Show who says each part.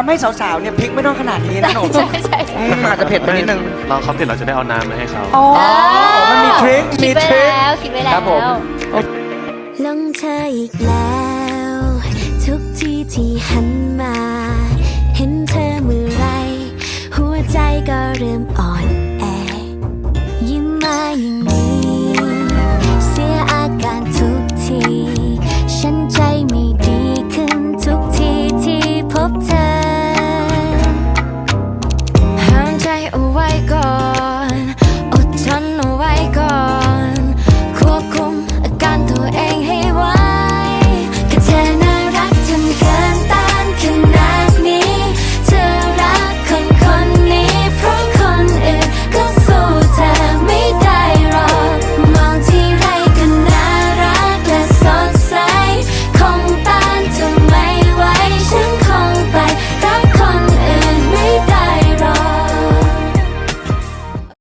Speaker 1: ำให้สาวๆเนี่ยพริกไม่ต้องขนาดนี้นะหนู
Speaker 2: ใช่
Speaker 1: อาจจะเผ็ดไปนิดนึง
Speaker 3: เราเขาเผ็ดเราจะได้เอาน้ำมาให้เขา
Speaker 1: อ๋อมันมีทริค
Speaker 2: คิ
Speaker 1: มี
Speaker 2: ดไว้
Speaker 1: ทริค
Speaker 2: แล้วคิดไว้แล้
Speaker 1: ครั
Speaker 2: ว
Speaker 1: บผม
Speaker 4: หลงเธออีกแล้ว ทุกที่ที่หันมา